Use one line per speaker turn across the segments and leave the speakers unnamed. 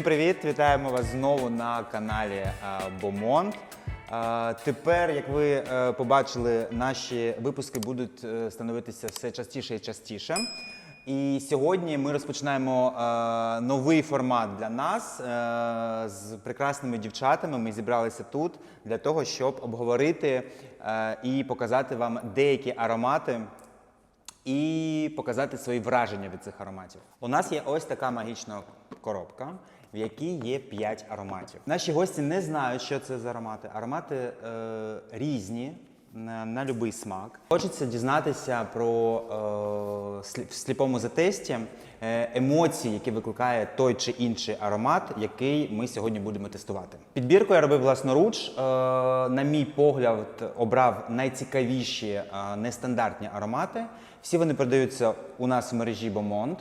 привіт! Вітаємо вас знову на каналі Beaumont. Тепер, як ви побачили, наші випуски будуть становитися все частіше і частіше. І сьогодні ми розпочинаємо новий формат для нас з прекрасними дівчатами. Ми зібралися тут для того, щоб обговорити і показати вам деякі аромати і показати свої враження від цих ароматів. У нас є ось така магічна коробка, в якій є 5 ароматів. Наші гості не знають, що це за аромати. Аромати різні, на будь-який смак. Хочеться дізнатися про в сліпому затесті емоції, які викликає той чи інший аромат, який ми сьогодні будемо тестувати. Підбірку я робив власноруч. На мій погляд, обрав найцікавіші нестандартні аромати. Всі вони продаються у нас в мережі Beaumont.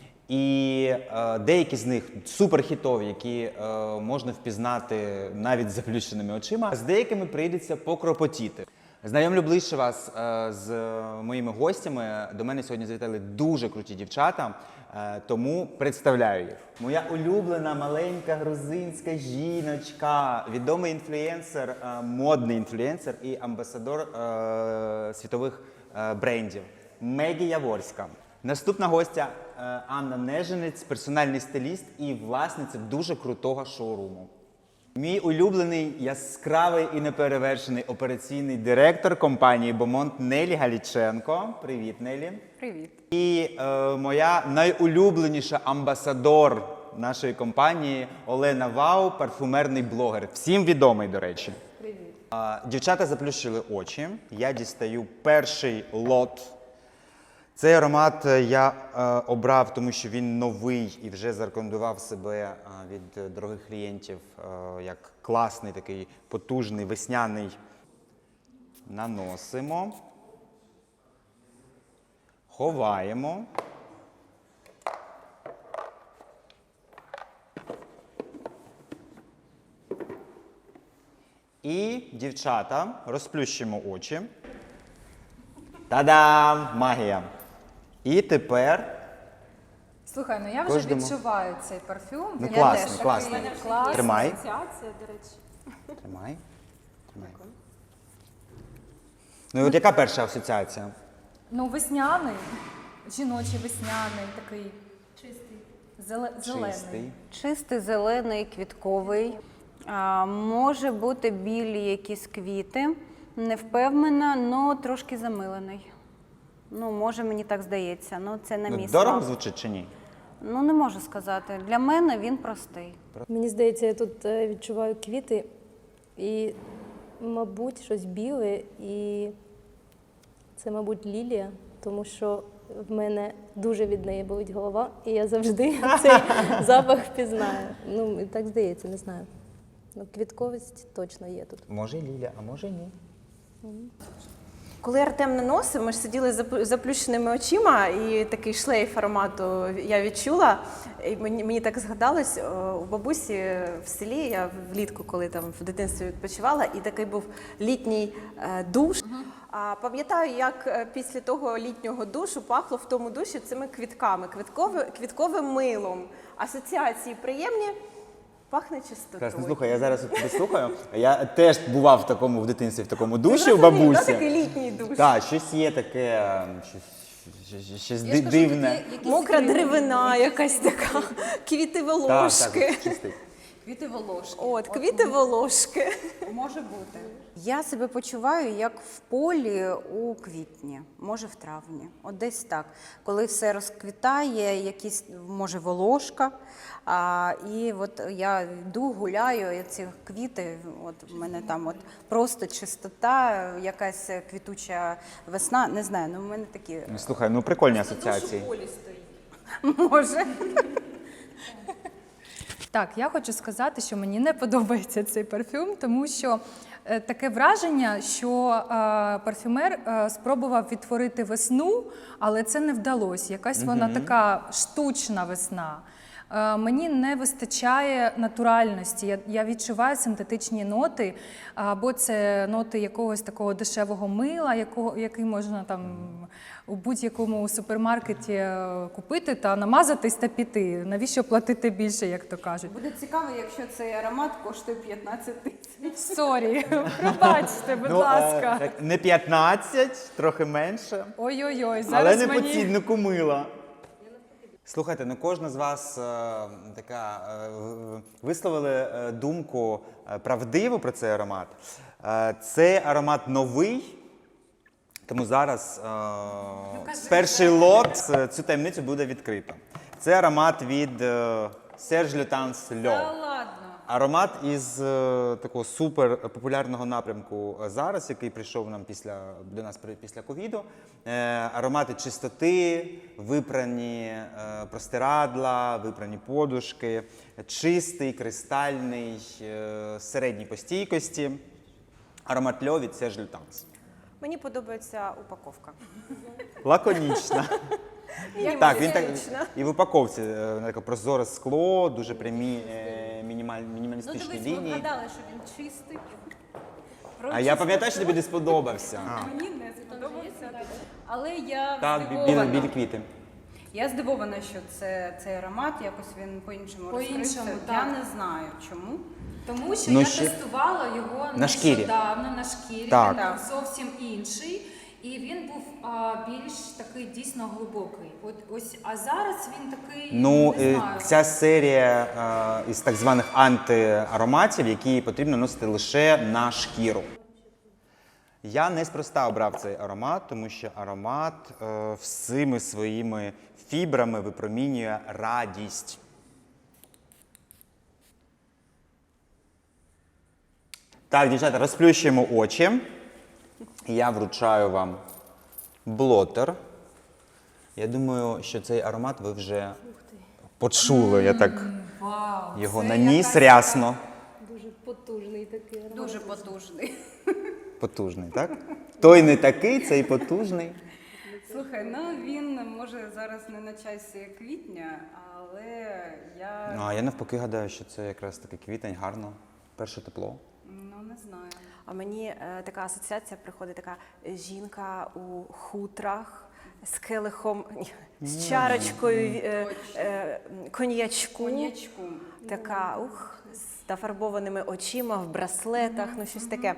І деякі з них суперхітові, які можна впізнати навіть з заплющеними очима. З деякими прийдеться покропотіти. Знайомлю ближче вас з моїми гостями. До мене сьогодні завітали дуже круті дівчата, тому представляю їх. Моя улюблена маленька грузинська жіночка, відомий інфлюенсер, модний інфлюенсер і амбасадор світових брендів Мегі Яворська. Наступна гостя Анна Неженець, персональний стиліст і власниця дуже крутого шоуруму. Мій улюблений, яскравий і неперевершений операційний директор компанії Beaumont Нелі Галіченко. Привіт, Нелі.
Привіт.
І моя найулюбленіша амбасадор нашої компанії Олена Вау, парфумерний блогер. Всім відомий, до речі.
Привіт.
Дівчата заплющили очі. Я дістаю перший лот. Цей аромат я обрав, тому що він новий і вже зарекомендував себе від дорогих клієнтів як класний, такий потужний, весняний. Наносимо. Ховаємо. І, дівчата, розплющимо очі. Та-дам! Магія! І тепер...
Слухай, ну я вже відчуваю цей парфюм.
Ну,
Він
класний,
теж
класний.
такий класний.
Тримай.
Асоціація, до речі.
Тримай. Тримай. Ну і от яка перша асоціація?
Ну, весняний, жіночий весняний, такий
Чистий.
зелений.
Чистий.
Чистий, зелений, квітковий. Може бути білі якісь квіти. Не впевнена, але трошки замилений. Ну, може, мені так здається. Ну, це на мій
Дорого
смак.
звучить чи ні?
Ну, не можу сказати. Для мене він простий.
Мені здається, я тут відчуваю квіти і, мабуть, щось біле. І це, мабуть, лілія, тому що в мене дуже від неї болить голова, і я завжди цей запах впізнаю. Ну, і так здається, не знаю. Ну, квітковість точно є тут.
Може Ліля, а може ні.
Коли Артем наносив, ми ж сиділи з заплющеними очима, і такий шлейф аромату я відчула. І мені так згадалось, у бабусі в селі, я влітку, коли там в дитинстві відпочивала, і такий був літній душ. А пам'ятаю, як після того літнього душу пахло в тому душі цими квітками, квітковим милом. Асоціації приємні. Пахне чистотою.
Класно, слухай, я зараз тебе слухаю. Я теж бував в дитинстві в такому душі у бабусі.
Такий літній душ.
Так, щось є таке, щось дивне.
Мокра деревина якась така, квіти волошки.
Так, чистий.
Квіти волошки.
От, квіти волошки.
Може бути.
Я себе почуваю, як в полі у квітні, може в травні. От десь так. Коли все розквітає, якісь, може, волошка. І от я йду, гуляю, і ці квіти, от в мене там от просто чистота, якась квітуча весна, не знаю, ну в мене такі...
Ну, слухай, ну прикольні асоціації.
Може.
Так, я хочу сказати, що мені не подобається цей парфюм, тому що таке враження, що парфюмер спробував відтворити весну, але це не вдалося. Якась вона така штучна весна. Мені не вистачає натуральності. Я відчуваю синтетичні ноти, або це ноти якогось такого дешевого мила, який можна там у будь-якому супермаркеті купити та намазатись та піти. Навіщо платити більше, як то кажуть?
Буде цікаво, якщо цей аромат коштує 15 тисяч.
Сорі, пробачте, будь ласка.
Не 15, трохи менше.
Ой-ой-ой,
Але
зараз
не по
мені...
ціннику мила. Слухайте, ну кожна з вас висловили думку правдиву про цей аромат. Цей аромат новий, тому зараз перший лот цю таємницю буде відкрито. Це аромат від Serge Lutens L'Eau. Аромат із такого супер популярного напрямку зараз, який прийшов нам до нас після ковіду. Аромати чистоти, випрані простирадла, випрані подушки, чистий, кристальний, середній по стійкості. Аромат L'Eau від Serge Lutens.
Мені подобається упаковка.
Лаконічна. Так, він так і в упаковці таке прозоре скло, дуже прямі мінімалістичні лінії.
вгадали, що він чистий.
А я пам'ятаю, що тобі не сподобався.
Мені не сподобався. Але я
Так,
здивована.
білі квіти.
Я здивована, що цей аромат якось він по-іншому
По-іншому,
розкрився.
так.
Я не знаю чому.
Тому що
Ну,
я
ще-
тестувала його
На шкірі.
нещодавно на шкірі.
Так.
Він був зовсім інший. І він був більш такий дійсно глибокий. А зараз він такий,
Ну,
не знаю.
ця серія із так званих антиароматів, які потрібно носити лише на шкіру. Я неспроста обрав цей аромат, тому що аромат всіми своїми фібрами випромінює радість. Так, дівчата, розплющуємо очі. Я вручаю вам блотер. Я думаю, що цей аромат ви вже почули. Я так
Вау,
його
це
наніс
якась
рясно.
Дуже потужний такий аромат.
Дуже потужний.
Потужний, так? Той не такий, цей потужний.
Слухай, ну він може зараз не на часі квітня, але я
Ну, а я навпаки гадаю, що це якраз такий квітень, гарно. Перше тепло.
не знаю.
А мені така асоціація приходить, така жінка у хутрах з келихом, з чарочкою коньячку. Така, з нафарбованими очима, в браслетах, ну щось таке.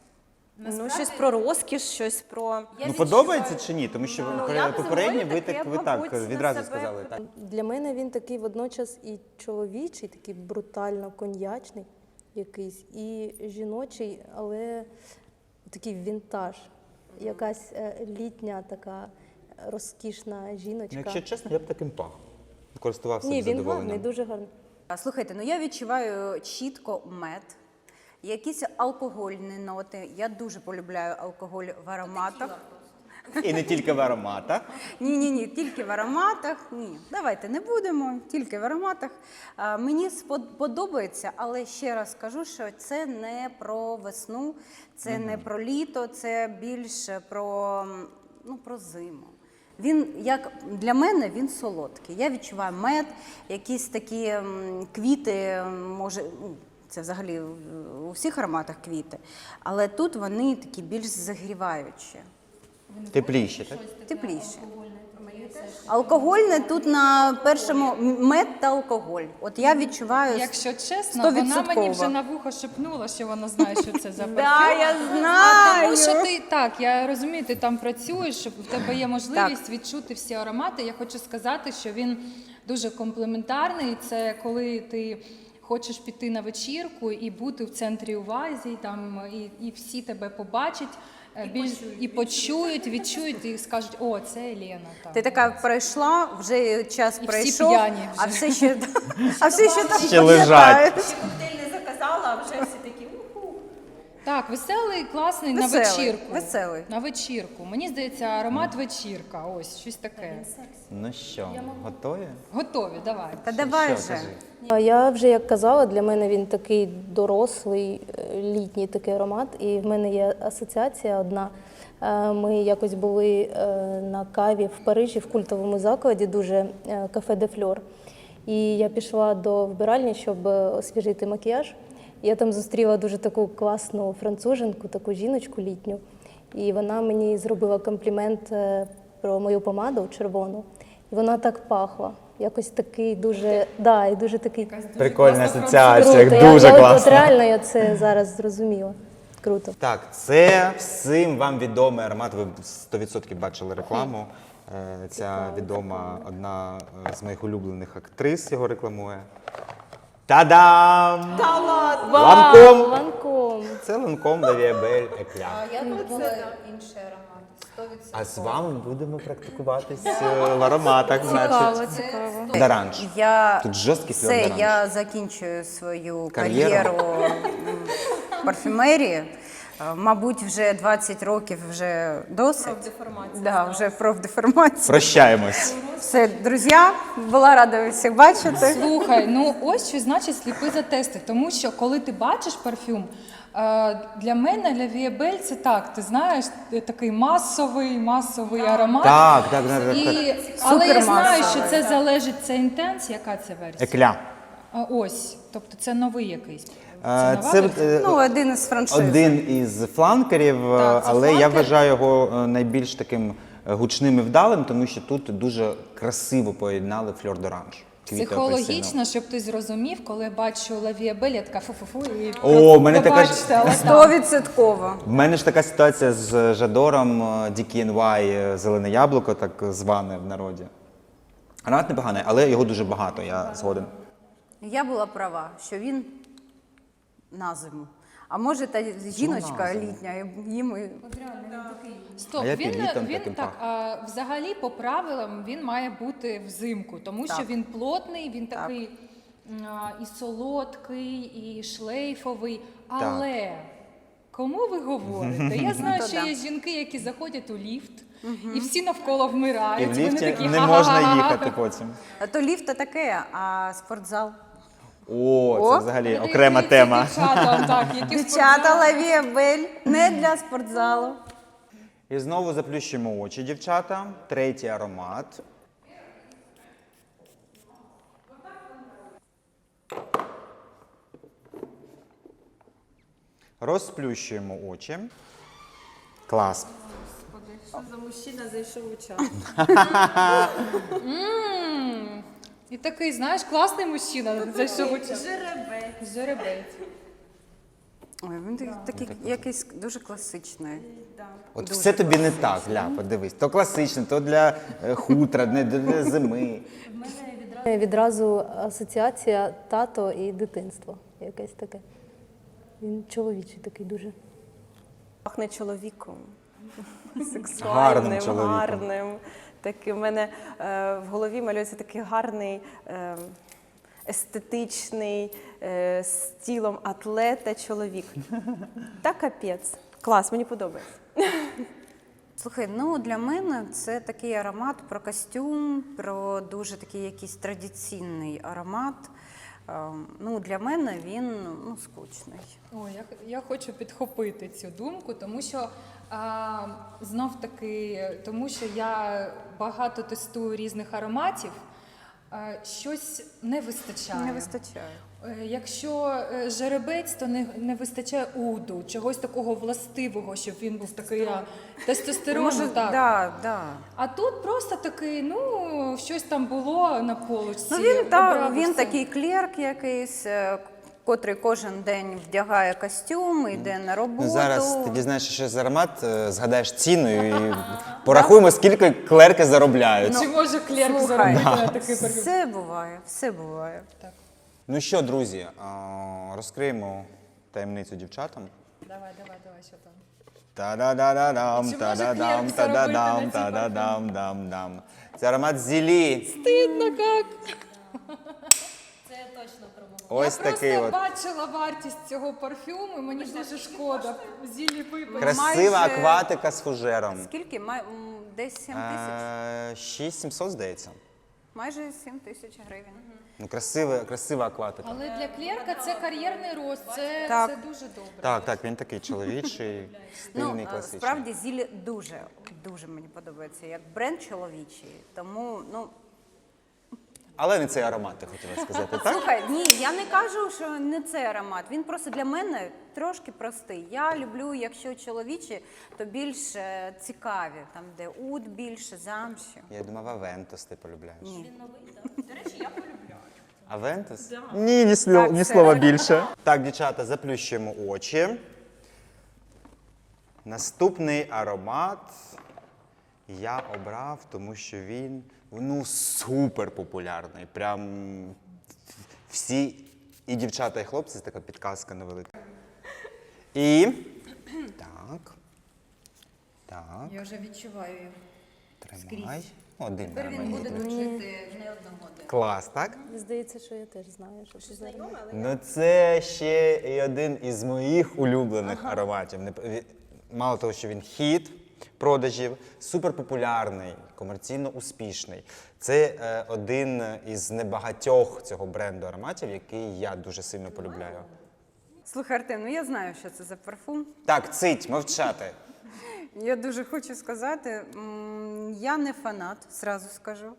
Ну, щось про розкіш, щось про...
Ну, подобається чи ні? Тому що
я
попередні ви
таке,
ви так
мабуть, на
відразу
себе
сказали. Так.
Для мене він такий водночас і чоловічий, такий брутально коньячний якийсь, і жіночий, але такий вінтаж. Якась літня така розкішна жіночка.
Ну, якщо чесно, я б таким пах. Користувався
Ні,
б
він
задоволенням.
гарний, дуже гарний.
Слухайте, ну я відчуваю чітко мед, якісь алкогольні ноти. Я дуже полюбляю алкоголь в ароматах.
І не тільки в ароматах.
Ні, тільки в ароматах. Ні, давайте не будемо, тільки в ароматах. Мені подобається, але ще раз скажу, що це не про весну, це не про літо, це більше про зиму. Він, як для мене, він солодкий. Я відчуваю мед, якісь такі квіти, може, це взагалі у всіх ароматах квіти, але тут вони такі більш загріваючі.
Тепліші, так?
Тепліше. Алкогольне тут на першому мед та алкоголь. От я відчуваю.
Якщо чесно, вона мені
100%.
вже на вухо шепнула, що вона знає, що це за парфюм.
Да, я
А
знаю.
тому що ти так, я розумію, ти там працюєш, щоб в тебе є можливість відчути всі аромати. Я хочу сказати, що він дуже комплементарний. Це коли ти хочеш піти на вечірку і бути в центрі уваги, там і всі тебе побачать. І почують, відчують і скажуть, о, це Елена. Там.
Ти така пройшла, вже час
І всі
пройшов,
п'яні
а
вже.
все ще там
Ще лежать.
Коктейль не заказала, а вже всі такі, уху.
Так, веселий, класний на
Веселий,
вечірку.
веселий.
На вечірку. Мені здається, аромат вечірка. Ось, щось таке.
Ну що, готові?
Готові, давай.
Та давай
Що,
вже.
кажи?
А я вже як казала, для мене він такий дорослий, літній такий аромат. І в мене є асоціація одна. Ми якось були на каві в Парижі в культовому закладі, дуже кафе де Фльор. І я пішла до вбиральні, щоб освіжити макіяж. Я там зустріла дуже таку класну француженку, таку жіночку літню. І вона мені зробила комплімент про мою помаду червону. І вона так пахла. Якось такий дуже, да, і дуже такий
Прикольна
круто.
асоціація,
Я
дуже
от
класно.
реально я це зараз зрозуміла. Круто.
Так, це всім вам відомий аромат. Ви 100% бачили рекламу. Ця відома одна з моїх улюблених актрис його рекламує. Та-дам!
Та ладно!
Ланком!
Ланком.
Це Ланком La Vie Belle Eclat.
Я думала інший аромат. 100%.
А з вами будемо практикуватись в ароматах, значить.
Цікаво.
Доранж.
Я
Тут жорсткий флёр
все,
доранж.
я закінчую свою
Кар'єру.
кар'єру парфюмерії. Мабуть, вже 20 років вже досить.
Профдеформація
Да, вже профдеформація.
Прощаємось.
Все, друзі, була рада всіх бачити.
Слухай, ну ось що значить сліпи за тести. Тому що коли ти бачиш парфюм, для мене La Vie Belle це так, ти знаєш, такий масовий аромат.
Так.
Але я знаю,
Супермасовий,
що це залежить, це інтенс, яка це версія?
Екля.
Ось, тобто це новий якийсь.
Це
Ну, один із франшиз.
один із фланкерів,
Так, це
але я
фланкер.
вважаю його найбільш таким гучним і вдалим, тому що тут дуже красиво поєднали фльор доранж. Квіти
Психологічно,
апельсину.
щоб ти зрозумів, коли я бачу La Vie Belle, я така фу-фу-фу і
О, в мене така ж-
побачте, але так.
100%.
В мене ж така ситуація з Жадором DKNY, зелене яблуко, так зване в народі. Аромат непоганий, але його дуже багато, я згоден.
Я була права, що він на зиму. А може та жіночка
зиму?
літня, їм і
Стоп,
А я під літом
він
таким
так, взагалі по правилам він має бути взимку, тому що
Так.
він плотний, він такий і солодкий, і шлейфовий. Але кому ви говорите? Я знаю,
То
що
да.
є жінки, які заходять у ліфт, і всі навколо вмирають.
І в
Вони
ліфті
такі,
не можна
«Ха-ха-ха-ха».
їхати потім.
А то ліфт то таке, а спортзал.
О, це
О,
взагалі
Передають
окрема
це
тема.
Дівчатам, так, які в
Дівчата
спортзалі.
Лавія Бель не для спортзалу.
І знову заплющуємо очі, дівчата. Третій аромат. Розплющуємо очі. Клас.
Що за мужчина зайшов у чат?
І такий, знаєш, класний мужчина зайшов у час.
Жеребець.
Жеребець.
Ой, він такий якийсь дуже класичний.
От все тобі не так, Ля, подивись. То класично, то для хутра, не для зими.
Відразу асоціація тато і дитинство. Якесь таке. Він чоловічий такий дуже.
Пахне чоловіком.
Гарним
Сексуальним,
чоловіком.
гарним. Такий, в мене в голові малюється такий гарний, естетичний, з тілом атлета чоловік. Та капець. Клас, мені подобається.
Слухай, ну для мене це такий аромат про костюм, про дуже такий якийсь традиційний аромат. Ну, для мене він скучний.
Ой, я хочу підхопити цю думку, тому що знов таки, тому що я багато тестую різних ароматів, щось не вистачає.
Не вистачає.
Якщо жеребець, то не вистачає уду, чогось такого властивого, щоб він був такий тестостерон.
Може,
Так.
да.
А тут просто такий, ну, щось там було на полочці.
Ну, він
обрав і
він
все.
такий клерк якийсь, котрий кожен день вдягає костюм, йде на роботу.
Ну, зараз ти дізнаєшся, що за аромат, згадаєш ціну і порахуємо, скільки клерки заробляють.
Чи може клерк
Слухай,
заробити на такий парфюм?
все буває, все буває.
Ну що, друзі, розкриємо таємницю дівчатам.
Давай, що там?
Та-да-да-да-дам,
Чи може
та-да-дам,
клерк заробити
та-да-дам,
на цій
та-да-дам-дам-дам. Це аромат Зілі.
Стидно як.
Ось
Я
такий
просто
от.
бачила вартість цього парфюму, і мені дуже шкода. Зілі випити.
Красива
майже-
акватика з фужером.
Скільки? Десь 7 тисяч?
6700, здається.
Майже 7 тисяч гривень.
Ну, красива акватика.
Але для клерка це кар'єрний рост, це
Так.
дуже добре.
Так, він такий чоловічий, стильний,
Ну,
класичний.
справді Зілі дуже мені подобається, як бренд чоловічий. Тому,
Але не цей аромат, ти хотіла сказати, так?
Слухай, ні, я не кажу, що не цей аромат. Він просто для мене трошки простий. Я люблю, якщо чоловічі, то більш цікаві, там де уд більше, замші.
Я думав, Авентус ти полюбляєш.
Ні.
Авентус? Ні, ні
Так,
слова
все.
більше. Так, дівчата, заплющуємо очі. Наступний аромат я обрав, тому що він супер популярний. Прям всі, і дівчата, і хлопці, це така підказка невелика. І так. Так,
Я вже відчуваю його.
тримай. Один
Тепер він
мені
буде
тут.
тут жити не одну годину.
Клас, так?
Здається, що я теж знаю, що це за аромат.
Ну, це ще і один із моїх улюблених ароматів. Мало того, що він хіт продажів, суперпопулярний, комерційно успішний. Це один із небагатьох цього бренду ароматів, який я дуже сильно полюбляю.
Слухай, Артем, ну я знаю, що це за парфум.
Так, цить, мовчати.
Я дуже хочу сказати, я не фанат, зразу скажу.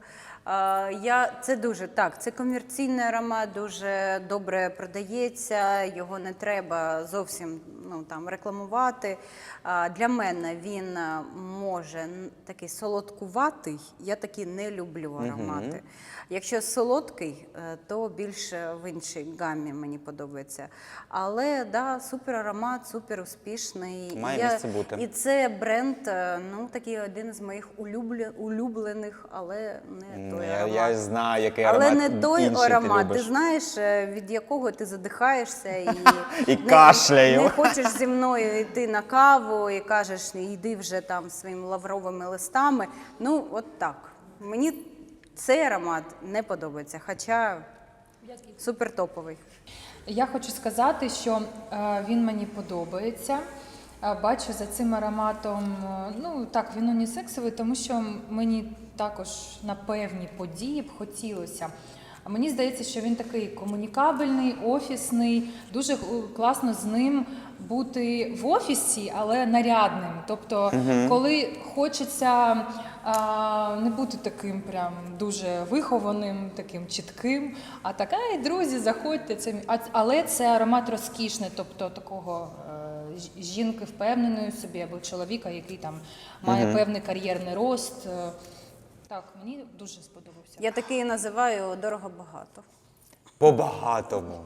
Це комерційний аромат, дуже добре продається, його не треба зовсім рекламувати. Для мене він може такий солодкуватий, я такі не люблю аромати. Якщо солодкий, то більше в іншій гамі мені подобається. Але да, супер аромат, супер успішний.
Має місце бути.
І це бренд, такий один з моїх улюблених, але не той аромат.
Я знаю, який аромат
Але не той
інший
аромат,
ти
ти
любиш.
знаєш, від якого ти задихаєшся і,
І кашляю.
не хочеш зі мною йти на каву і кажеш, йди вже там своїми лавровими листами. Ну, от так. Мені цей аромат не подобається, хоча супер топовий.
Я хочу сказати, що він мені подобається. Бачу за цим ароматом, так, він унісексовий, тому що мені також на певні події б хотілося. А мені здається, що він такий комунікабельний, офісний, дуже класно з ним бути в офісі, але нарядним. Тобто, коли хочеться не бути таким прям дуже вихованим, таким чітким, а така, і друзі, заходьте. Але це аромат розкішний, тобто такого жінки впевненої в собі, або чоловіка, який там має певний кар'єрний рост. Так, мені дуже сподобався.
Я такий називаю дорого-багато.
По-багатому.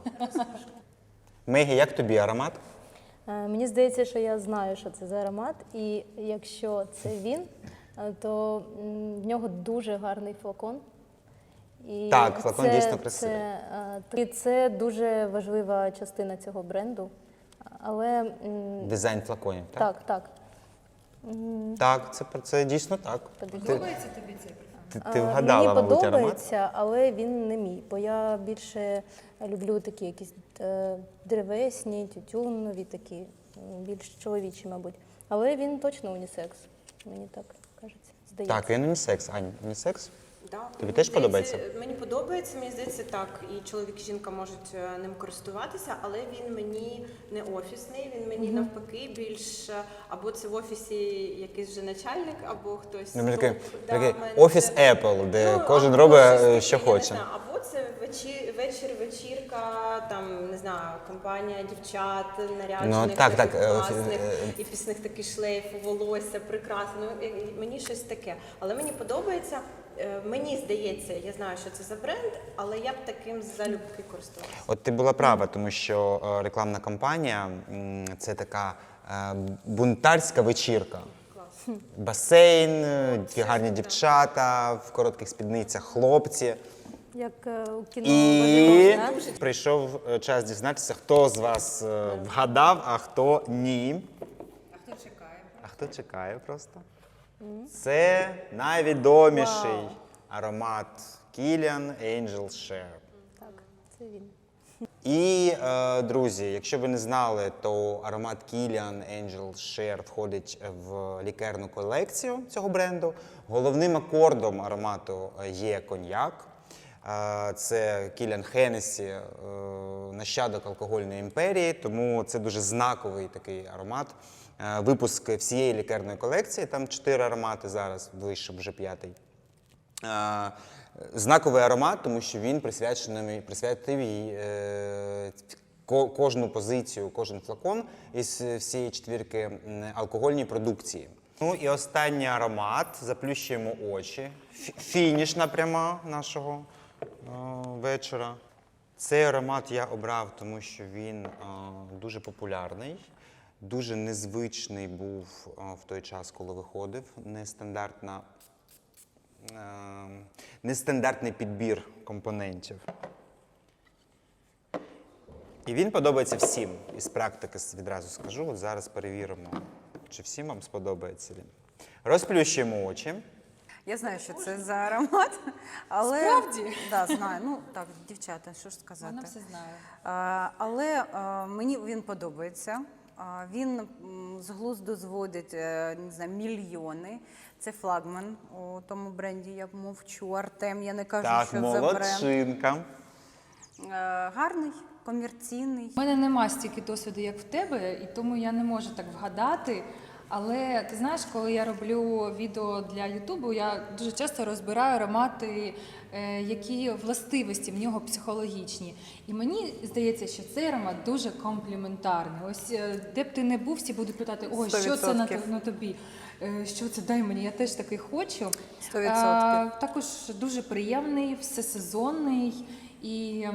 Мегі, як тобі аромат?
Мені здається, що я знаю, що це за аромат, і якщо це він, то в нього дуже гарний флакон. І
Так, флакон дійсно красивий.
Це дуже важлива частина цього бренду. Але
Дизайн флаконів, так?
так.
Так, це дійсно так.
Подобається тобі цей парфум?
Ти вгадала,
Мені
мабуть, аромат?
подобається, але він не мій, бо я більше люблю такі якісь древесні, тютюнові, такі, більш чоловічі, мабуть. Але він точно унісекс, мені так кажеться, здається.
Так, він унісекс. Ань, унісекс?
Да.
Тобі
Мені
теж
здається,
подобається?
Мені подобається, мені здається, так. І чоловік, і жінка можуть ним користуватися, але він мені не офісний, він мені навпаки більш або це в офісі якийсь вже начальник, або хтось.
Такий
в мене
офіс
це-
Apple, де кожен
або
робить,
щось
що
таке, я не
хоче.
знаю, або це вечірка, там, не знаю, компанія дівчат, наряджених,
так,
таких
так,
класних, і пісних такий шлейф, волосся, прекрасно. Мені щось таке. Але мені подобається. Мені здається, я знаю, що це за бренд, але я б таким залюбки користувалася.
От ти була права, тому що рекламна кампанія це така бунтарська вечірка. Басейн, ті гарні дівчата, в коротких спідницях хлопці.
Як у кіно
І
«Базиліон», да?
прийшов час дізнатися, хто з вас вгадав, а хто ні. А хто чекає просто? Це найвідоміший аромат Kilian Angel Share.
Так, це він.
І, друзі, якщо ви не знали, то аромат Kilian Angel Share входить в лікерну колекцію цього бренду. Головним акордом аромату є коньяк. Це Kilian Hennessy, нащадок алкогольної імперії, тому це дуже знаковий такий аромат. Випуск всієї лікерної колекції, там 4 аромати зараз, вийшов вже 5-й. знаковий аромат, тому що він присвятив їй кожну позицію, кожен флакон із всієї четвірки алкогольній продукції. Ну і останній аромат, заплющуємо очі. Фінішна пряма нашого вечора. Цей аромат я обрав, тому що він дуже популярний, дуже незвичний був в той час, коли виходив. Нестандартний підбір компонентів. І він подобається всім. Із практики відразу скажу. От зараз перевіримо, чи всім вам сподобається він. Розплющуємо очі.
Я знаю, що це за аромат, але...
Справді?
Да, знаю. Ну, так, дівчата, що ж сказати.
Вона все знає.
Але мені він подобається. Він з глузду зводить, не знаю, мільйони. Це флагман у тому бренді, я мовчу. Артем, я не кажу,
Так,
що це бренд.
молодчинка.
Гарний, комерційний.
У мене нема стільки досвіду, як в тебе, і тому я не можу так вгадати. Але ти знаєш, коли я роблю відео для Ютубу, я дуже часто розбираю аромати, які властивості в нього психологічні. І мені здається, що цей аромат дуже компліментарний. Ось де б ти не був, всі будуть питати: ой, що це на тобі? Що це, дай мені, я теж такий хочу.
100%.
Також дуже приємний, всесезонний і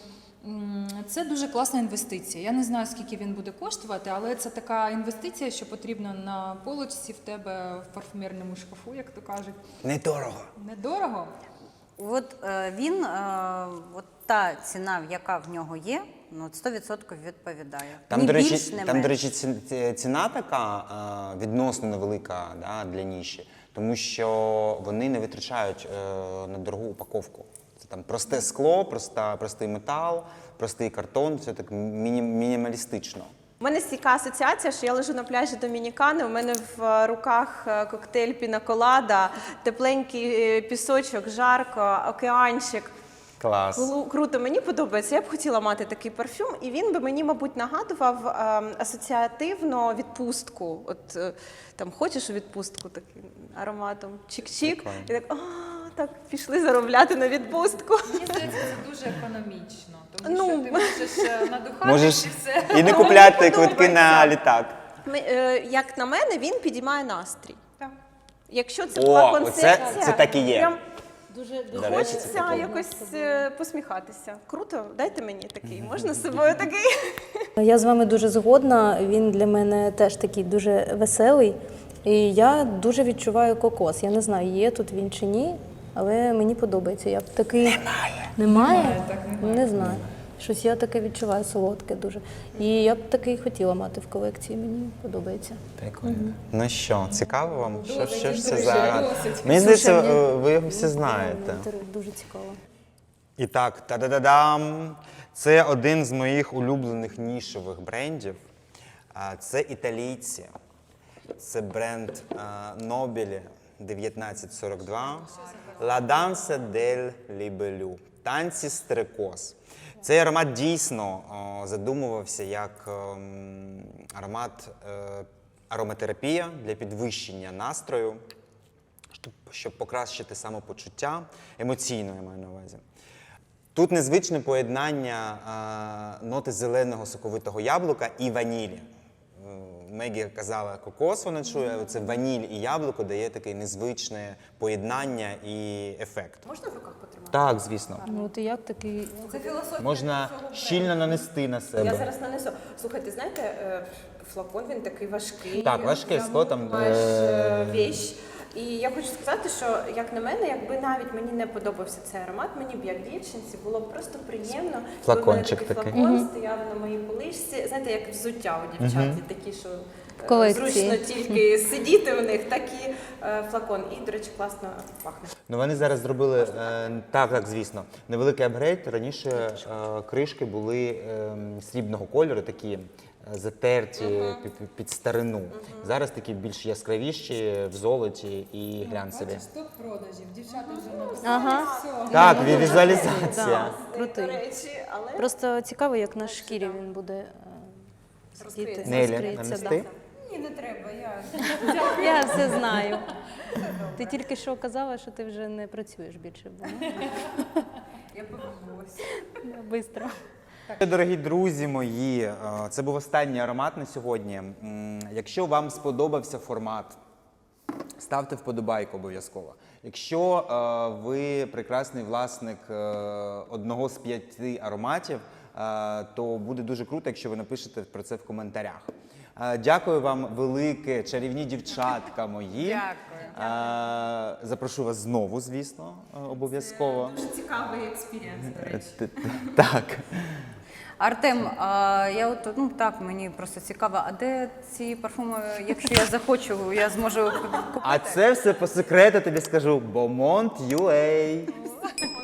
це дуже класна інвестиція. Я не знаю, скільки він буде коштувати, але це така інвестиція, що потрібна на полочці в тебе в парфумерному шкафу, як то кажуть.
Недорого.
Недорого.
От він, от та ціна, яка в нього є, ну, 100% відповідає.
Там,
Ні
до речі,
більш, не
там, до
менш.
речі, ціна така відносно невелика, да, для ніші, тому що вони не витрачають на дорогу упаковку. Це там просте скло, простий метал, простий картон, все так мінімалістично.
У мене стійка асоціація, що я лежу на пляжі Домінікани, у мене в руках коктейль пінаколада, тепленький пісочок, жарко, океанчик.
Клас.
Круто, мені подобається. Я б хотіла мати такий парфюм, і він би мені, мабуть, нагадував асоціативно відпустку. От там хочеш у відпустку таким ароматом чик-чик,
Прикольно.
і так, так, пішли заробляти на відпустку.
Мені здається, це дуже економічно, тому
Ну,
що ти можеш надухатись
Можеш
і все.
і не купляти квитки на літак.
Як на мене, він підіймає настрій.
Так.
Якщо це
О,
була
оце-
концепція,
це так і є.
прям
Дуже
До речі, це
хочеться
таке.
якось посміхатися. Круто, дайте мені такий. Можна з собою такий?
Я з вами дуже згодна. Він для мене теж такий дуже веселий. І я дуже відчуваю кокос. Я не знаю, є тут він чи ні, але мені подобається. Я б такий... Немає? Не знаю. Щось я таке відчуваю солодке дуже. І я б такий хотіла мати в колекції. Мені подобається.
Прикольно. Ну що, цікаво вам? Що ж це
дуже,
за аромат?
досить.
Мені здається,
Слушай,
ви його всі знаєте.
Мені дуже цікаво.
І так, та-да-да-дам! Це один з моїх улюблених нішевих брендів. Це італійці. Це бренд Nobile 1942. La danza del libellù. Танці стрекоз. Цей аромат дійсно задумувався як ароматерапія для підвищення настрою, щоб покращити самопочуття, емоційно я маю на увазі. Тут незвичне поєднання ноти зеленого соковитого яблука і ванілі. Мегі казала, кокос вона чує, а це ваніль і яблуко дає таке незвичне поєднання і ефект.
Можна в руках потримати?
Так, звісно.
Ну от і як такий...
Це філософія.
Можна щільно нанести на
Я
себе.
зараз нанесу. Слухайте, знаєте, флакон він такий важкий.
Так, важке скло там.
Маєш вещь. І я хочу сказати, що, як на мене, якби навіть мені не подобався цей аромат, мені б як дівчинці було б просто приємно.
Флакончик
якби в мене
такий.
флакон стояв на моїй поличці. Знаєте, як взуття у дівчат, є такі, що
колекції.
зручно тільки сидіти в них, так і флакон. І, до речі, класно пахне.
Ну вони зараз зробили, так, звісно, невеликий апгрейд. Раніше кришки були срібного кольору, такі затерті під старину. Зараз такі більш яскравіші, в золоті і глянцеві.
Бачиш, топ продажів. Дівчата вже написали.
Ага.
Все.
Так, візуалізація.
Да, крутий.
До речі, але
Просто цікаво, як на шкірі він буде сидіти.
Розкриється.
Нелі,
розкриється,
нанести?
да.
ні, не треба.
треба,
Я все знаю. Ти тільки що казала, що ти вже не працюєш більше.
Я повернулася.
Бистро.
Дорогі друзі мої, це був останній аромат на сьогодні. Якщо вам сподобався формат, ставте вподобайку обов'язково. Якщо ви прекрасний власник одного з 5 ароматів, то буде дуже круто, якщо ви напишете про це в коментарях. Дякую вам велике, чарівні дівчатка мої.
Дякую.
Запрошу вас знову, звісно, обов'язково.
Дуже цікавий експірієнс, до речі.
Так.
Артем, я от, ну так, мені просто цікаво, а де ці парфуми, якщо я захочу, я зможу купити?
А це все по секрету тобі скажу. Beaumont UA.